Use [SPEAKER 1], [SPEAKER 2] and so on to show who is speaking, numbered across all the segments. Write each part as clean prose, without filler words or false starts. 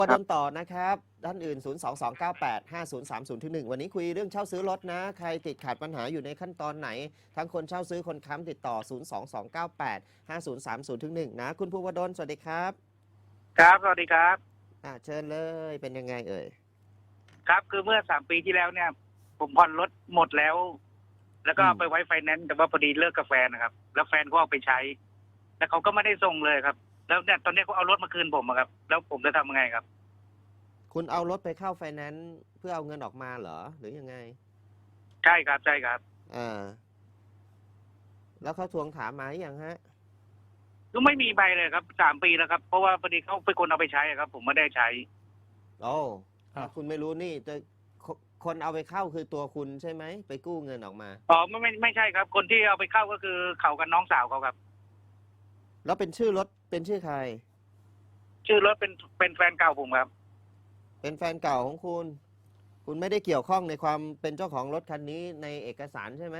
[SPEAKER 1] ประ
[SPEAKER 2] ครับ
[SPEAKER 1] เด็นต่อนะครับด้านอื่น 022985030-1 วันนี้คุยเรื่องเช่าซื้อรถนะ ใครติดขัดปัญหาอยู่ในขั้นตอนไหน ทั้งคนเช่าซื้อคนค้ำติดต่อ 022985030-1 นะ คุณภูวดลสวัสดีครับ
[SPEAKER 2] ครับสวัสดีครับ
[SPEAKER 1] เชิญเลยเป็นยังไงเอ่ย
[SPEAKER 2] ครับคือเมื่อ3 ปีที่แล้วเนี่ย ผมผ่อนรถหมดแล้ว แล้วก็
[SPEAKER 1] อืม
[SPEAKER 2] ไปไว้ไฟแนนซ์แต่ว่าพอดีเลิกกับแฟนนะครับ แล้วแฟนก็เอาไปใช้ แล้วเขาก็ไม่ได้ส่งเลยครับ แล้วเนี่ยตอนนี้เขาเอารถมาคืนผมอะครับ แล้วผมจะทำยังไงครับ
[SPEAKER 1] คุณเอารถไปเข้าไฟแนนซ์เพื่อเอาเงินออกมาเหรอ หรือยังไง
[SPEAKER 2] ใช่ครับใช่ครับ
[SPEAKER 1] อ่า แล้วเขาทวงถามมาหรือยังฮะ
[SPEAKER 2] ก็ไม่มีใบเลยครับ3 ปีแล้วครับ เพราะว่าพอดีเขาเป็นคนเอาไปใช้อะครับ ผมไม่ได้ใช้
[SPEAKER 1] โอ้
[SPEAKER 3] ครับ
[SPEAKER 1] คุณไม่รู้นี่จะคนเอาไปเข้าคือตัวคุณใช่ไหมไปกู้เงินออกมา
[SPEAKER 2] อ๋อไม่ใช่ครับ คนที่เอาไปเข้าก็คือเขากับน้องสาวเขาครับ
[SPEAKER 1] แล้วเป็นชื่อรถเป็นชื่อใคร
[SPEAKER 2] ชื่อรถเป็นแฟนเก่าผมครับ
[SPEAKER 1] เป็นแฟนเก่าของคุณ คุณไม่ได้เกี่ยวข้องในความเป็นเจ้าของรถคันนี้ในเอกสารใช่ไหม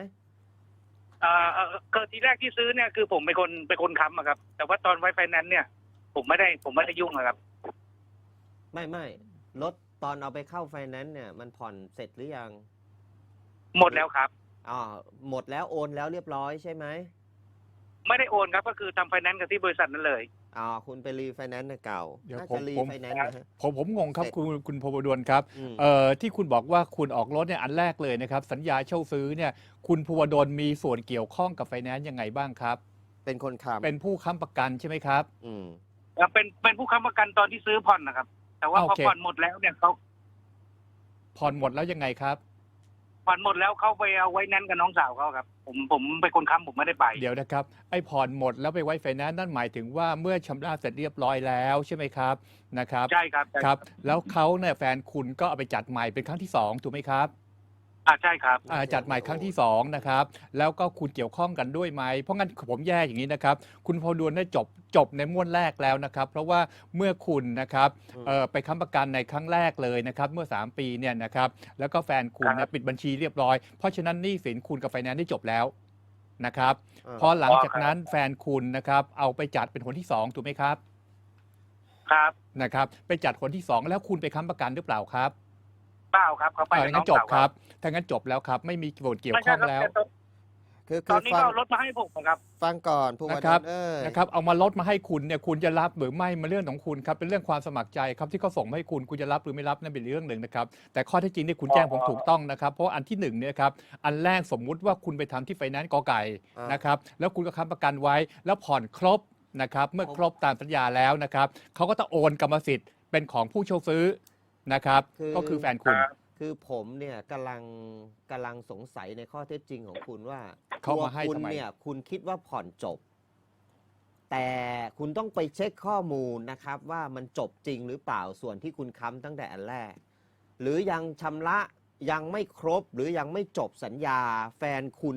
[SPEAKER 2] ก็ทีแรกที่ซื้อเนี่ยคือผมเป็นคนค้ำอะครับ แต่ว่าตอนไว้ไฟแนนซ์เนี่ย ผมไม่ได้ยุ่งอะครับ
[SPEAKER 1] ไม่รถตอนเอาไปเข้าไฟแนนซ์เนี่ยมันผ่อนเสร็จหรือยัง
[SPEAKER 2] หมดแล้วครับ
[SPEAKER 1] หมดแล้วโอนแล้วเรียบร้อยใช่ไหม
[SPEAKER 2] ไม่ได้โอนครับก็คือทำไฟแนนซ์กับที่บริษัทนั้นเลย
[SPEAKER 1] คุณไปรีไฟแนนซ์เก่า
[SPEAKER 3] เดี๋ยว
[SPEAKER 1] น่า
[SPEAKER 3] ผม
[SPEAKER 1] จะรี
[SPEAKER 3] ผม
[SPEAKER 1] ไฟแนนซ์นะฮะ
[SPEAKER 3] ผมงงครับ
[SPEAKER 1] เสร็จ
[SPEAKER 3] คุณพบดลครับ
[SPEAKER 1] อืม
[SPEAKER 3] ที่คุณบอกว่าคุณออกรถเนี่ยอันแรกเลยนะครับ สัญญาเช่าซื้อเนี่ยคุณภูวดลมีส่วนเกี่ยวข้องกับไฟแนนซ์ยังไงบ้างครับ
[SPEAKER 1] เป็นคนค้ำ
[SPEAKER 3] เป็นผู้ค้ำประกันใช่ไหมครับ
[SPEAKER 1] อืม
[SPEAKER 2] เป็นผู้ค้ำประกันตอนที่ซื้อผ่อนนะครับ แต่ว่า
[SPEAKER 3] โอ
[SPEAKER 2] พอ
[SPEAKER 3] เค
[SPEAKER 2] ผ่อนหมดแล้วเนี่ยเขา
[SPEAKER 3] ผ่อนหมดแล้วยังไงครับ
[SPEAKER 2] ผ่อนหมดแล้วเขาไปเอาไว้แนนซ์กับน้องสาวเขาครับ ผมเป็นคนค้ำผมไม่ได้ไป
[SPEAKER 3] เดี๋ยวนะครับไอ้ผ่อนหมดแล้วไปไว้ไฟแนนซ์นั่นหมายถึงว่าเมื่อชำระเสร็จเรียบร้อยแล้วใช่ไหมครับนะครับ
[SPEAKER 2] ใช่ครับใช่
[SPEAKER 3] ครับ แล้วเขาเนี่ยแฟนคุณก็เอาไปจัดใหม่เป็นครั้งที่สองถูกไหมครับ
[SPEAKER 2] ใช่ครับ
[SPEAKER 3] จัดใหม่ครั้งที่2นะครับแล้วก็คุณเกี่ยวข้องกันด้วยไหมเพราะงั้นผมแยกอย่างนี้นะครับคุณพอดวนได้จบในม้วนแรกแล้วนะครับเพราะว่าเมื่อคุณนะครับไปค้ำประกันในครั้งแรกเลยนะครับเมื่อ3 ปีเนี่ยนะครับแล้วก็แฟนคุณเนี่ยปิดบัญชีเรียบร้อยเพราะฉะนั้นหนี้สินคุณกับไฟแนนซ์ได้จบแล้วนะครับพอหลังจากนั้นแฟนคุณนะครับเอาไปจัดเป็นคนที่2ถูกไหมครับ
[SPEAKER 2] ครับ
[SPEAKER 3] นะครับไปจัดคนที่2แล้วคุณไปค้ำประกันหรือเปล่าครับ
[SPEAKER 2] เปล่าครับเขาไปกับน้
[SPEAKER 3] งั้
[SPEAKER 2] อน ง
[SPEAKER 3] จบ
[SPEAKER 2] สาว
[SPEAKER 3] ครับถ้างั้นจบแล้วครับไม่มีส่วนเกี่ยว
[SPEAKER 2] ไม่
[SPEAKER 3] ข้
[SPEAKER 2] ใช่
[SPEAKER 3] อง
[SPEAKER 2] ครับ
[SPEAKER 3] แล้ว
[SPEAKER 2] แต่
[SPEAKER 1] คือ
[SPEAKER 2] ตอนนี้
[SPEAKER 1] ฟั
[SPEAKER 2] ก็
[SPEAKER 1] ง
[SPEAKER 2] เอารถมาให้ผมครับ
[SPEAKER 1] ฟังก่อนภูวด
[SPEAKER 3] นะครับ
[SPEAKER 1] ลเอ้ย
[SPEAKER 3] นะครับเอามาลดมาให้คุณเนี่ยคุณจะรับหรือไม่มันเรื่องของคุณครับเป็นเรื่องความสมัครใจครับที่เขาส่งมาให้คุณจะรับหรือไม่รับนั่นเป็นเรื่องหนึ่งนะครับแต่ข้อเท็จจริงเนี่ยคุณแจ้งผมถูกต้องนะครับเพราะว่าอันที่1เนี่ยครับอันแรกสมมุติว่าคุณไปทำที่ไฟแนนซ์กอไก่นะครับแล้วคุณก็ค้ำประกันไว้แล้วผ่อนครบนะครับเมื่อครบตามสัญญาแล้วนะครับเขาก็ต้องโอนกรรมสิทธิ์เป็นของผู้เช่าซื้อนะครับก็คือแฟนคุณ
[SPEAKER 1] คือผมเนี่ยกำลังสงสัยในข้อเท็จจริงของคุณว่า
[SPEAKER 3] เขามาให้
[SPEAKER 1] ตัวคุณ
[SPEAKER 3] ทำไม
[SPEAKER 1] เนี่ยคุณคิดว่าผ่อนจบ แต่คุณต้องไปเช็คข้อมูลนะครับว่ามันจบจริงหรือเปล่าส่วนที่คุณค้ำตั้งแต่อันแรก หรือยังชำระยังไม่ครบหรือยังไม่จบสัญญา แฟนคุณ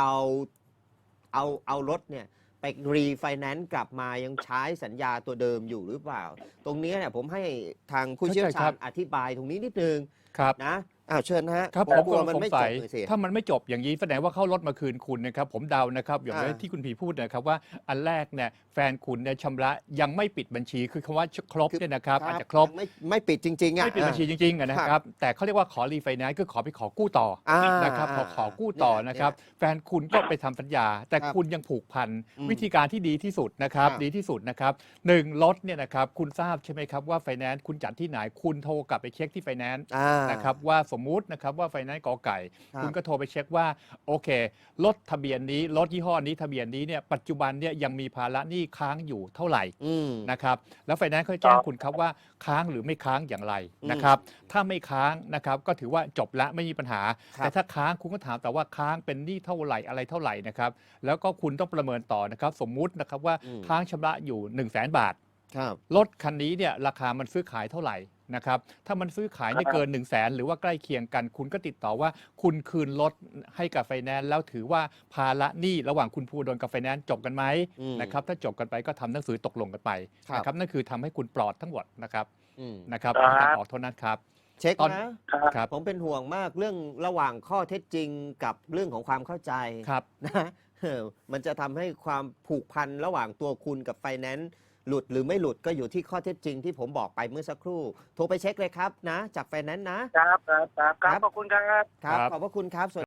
[SPEAKER 1] เอารถเนี่ยไปรีไฟแนนซ์กลับมายังใช้สัญญาตัวเดิมอยู่หรือเปล่า ตรงนี้เนี่ยผมให้ทางผู้เชี่ยวชาญอธิบายตรงนี้นิดนึง
[SPEAKER 3] ครับ
[SPEAKER 1] นะเชิญฮะ
[SPEAKER 3] ครับ
[SPEAKER 1] ผม
[SPEAKER 3] ผม
[SPEAKER 1] กลัว
[SPEAKER 3] ก็
[SPEAKER 1] มัน
[SPEAKER 3] สง
[SPEAKER 1] ไม่จ
[SPEAKER 3] สั
[SPEAKER 1] บ
[SPEAKER 3] ย
[SPEAKER 1] เลยสิ
[SPEAKER 3] ถ้ามันไม่จบอย่างนี้แสดงว่าเข้ารถมาคืนคุณนะครับผมเดานะครับอย่าง
[SPEAKER 1] อ่า
[SPEAKER 3] ที่คุณผีพูดนะครับว่าอันแรกเนี่ยแฟนคุณเนี่ยชำระยังไม่ปิดบัญชีคือคำว่าครบเนี่ยนะครับอาจจะครบ
[SPEAKER 1] ไม่ปิดจริงๆอ่ะ
[SPEAKER 3] ไม่ปิดบัญชีจริงๆอะนะครับแต่เขาเรียกว่าขอรีไฟแนนซ์คือขอไปขอกู้ต่อ นะครับขอกู้ต่อนะครับแฟนคุณก็ไปทำสัญญา แต่
[SPEAKER 1] ครับ
[SPEAKER 3] คุณยังผูกพัน
[SPEAKER 1] อืม
[SPEAKER 3] วิธีการที่ดีที่สุดนะครับ
[SPEAKER 1] ครับ
[SPEAKER 3] ดีที่สุดนะครับ1รถเนี่ยนะครับคุณทราบใช่ไหมครับว่าไฟแนนซ์คุณจัดที่ไหนคุณโทรกลับไปเช็คที่ไฟแนนซ์ นะครับว่าสมมุตินะครับว่าไฟแนนซ์กอไก่
[SPEAKER 1] ครับ
[SPEAKER 3] คุณก็โทรไปเช็คว่าโอเครถทะเบียนนี้รถยี่ห้อนี้ทะเบียนนี้เนี่ยปัจจุบันเนี่ยยังมีภาระหนี้ค้างอยู่เท่าไหร่
[SPEAKER 1] อืม
[SPEAKER 3] นะครับแล้วไฟแนนซ์เขาจะแจ้งคุณครับว่าค้างหรือไม่ค้างอย่างไร
[SPEAKER 1] อืม
[SPEAKER 3] นะครับถ้าไม่ค้างนะครับก็ถือว่าจบละไม่มีปัญหา
[SPEAKER 1] ครับ
[SPEAKER 3] แต่ถ้าค้างคุณก็ถามแต่ว่าค้างเป็นหนี้เท่าไหร่อะไรเท่าไหร่นะครับแล้วก็คุณต้องประเมินต่อนะครับสมมุตินะครับว่าค้างชำระอยู่ 100,000 บาท
[SPEAKER 1] ครับ
[SPEAKER 3] รถคันนี้เนี่ยราคามันซื้อขายเท่าไหร่นะครับถ้ามันซื้อขายไม่เกิน 1 0 0 0 0แสนหรือว่าใกล้เคียงกัน คุณก็ติดต่อว่าคุณคืนรถให้กับไฟแนนซ์แล้วถือว่าภาระหนี้ระหว่างคุณภูดลกับไฟแนนซ์จบกันไหม
[SPEAKER 1] อืม
[SPEAKER 3] นะครับถ้าจบกันไปก็ทำหนังสือตกลงกันไป
[SPEAKER 1] ครับ
[SPEAKER 3] นะครับนั่นคือทำให้คุณปลอดทั้งหมดนะครับ
[SPEAKER 1] อืม
[SPEAKER 3] นะครับ
[SPEAKER 2] ครับ
[SPEAKER 3] ในการออกเท่านั้นครับ
[SPEAKER 1] เช็ค
[SPEAKER 3] ตอน
[SPEAKER 1] นะ
[SPEAKER 3] ครับ
[SPEAKER 1] ผมเป็นห่วงมากเรื่องระหว่างข้อเท็จจริงกับเรื่องของความเข้าใจ
[SPEAKER 3] ครับ
[SPEAKER 1] นะมันจะทำให้ความผูกพันระหว่างตัวคุณกับไฟแนนซ์หลุดหรือไม่หลุดก็อยู่ที่ข้อเท็จจริงที่ผมบอกไปเมื่อสักครู่ โทรไปเช็คเลยครับนะจากไฟแนนซ์นะครับ
[SPEAKER 2] ครับขอบคุณครับ
[SPEAKER 1] ครับ
[SPEAKER 3] ครับ
[SPEAKER 1] ขอบพระคุณครับ